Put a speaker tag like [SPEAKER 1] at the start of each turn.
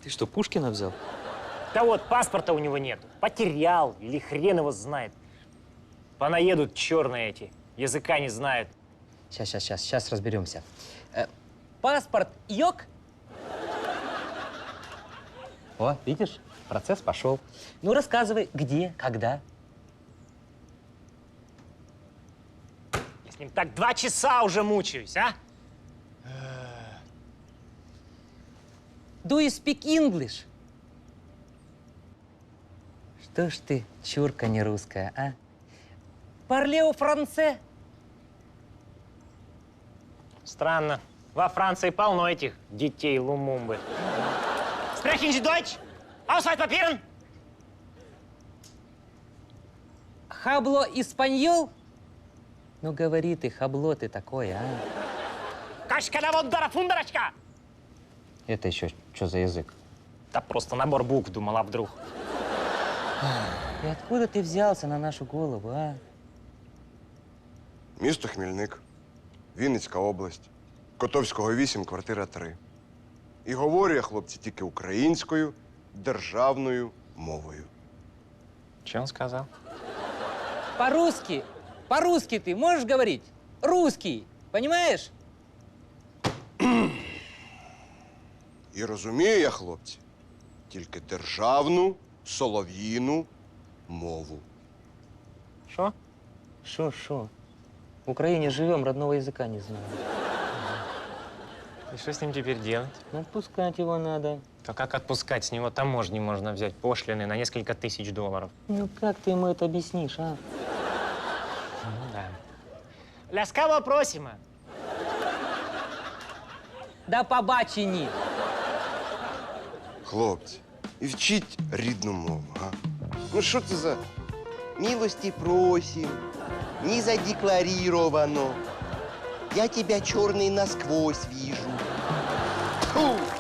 [SPEAKER 1] Ты что, Пушкина взял?
[SPEAKER 2] Да вот, паспорта у него нет. Потерял или хрен его знает. Понаедут черные эти, языка не знают.
[SPEAKER 3] Сейчас разберемся. Паспорт йог? О, видишь, процесс пошел. Ну, рассказывай, где, когда?
[SPEAKER 2] Я с ним так 2 часа уже мучаюсь, а?
[SPEAKER 3] Do you speak English? Что ж ты, чурка не русская, а? Парлео франце?
[SPEAKER 2] Странно. Во Франции полно этих детей Лумумбы. Sprechen Sie Deutsch? Ausweispapieren?
[SPEAKER 3] Хабло испаньол? Ну, говори ты, хабло ты такое, а?
[SPEAKER 2] Кашкадаводдара фундарочка!
[SPEAKER 3] Это еще что за язык?
[SPEAKER 2] Да просто набор букв, думал, а вдруг.
[SPEAKER 3] И откуда ты взялся на нашу голову, а?
[SPEAKER 4] Місто Хмільник, Вінницька область, Котовського 8, квартира 3. І говорю я, хлопці, тільки українською державною мовою.
[SPEAKER 2] Что он сказал?
[SPEAKER 3] По-русски ты можешь говорить? Русский, понимаешь?
[SPEAKER 4] І розумію я, хлопці, тільки державну солов'їну мову.
[SPEAKER 2] Что?
[SPEAKER 3] Шо? В Украине живем, родного языка не знаем.
[SPEAKER 2] И что с ним теперь делать?
[SPEAKER 3] Ну, отпускать его надо.
[SPEAKER 2] То как отпускать? С него таможни можно взять пошлины на несколько тысяч долларов.
[SPEAKER 3] Ну, как ты ему это объяснишь, а?
[SPEAKER 2] Ну да. Ляскаво просимо.
[SPEAKER 3] Да побачені.
[SPEAKER 4] Хлопці, і вчіть рідну мову, а? Ну що це за милості просим, не задекларировано. Я тебя черный насквозь вижу. Фу!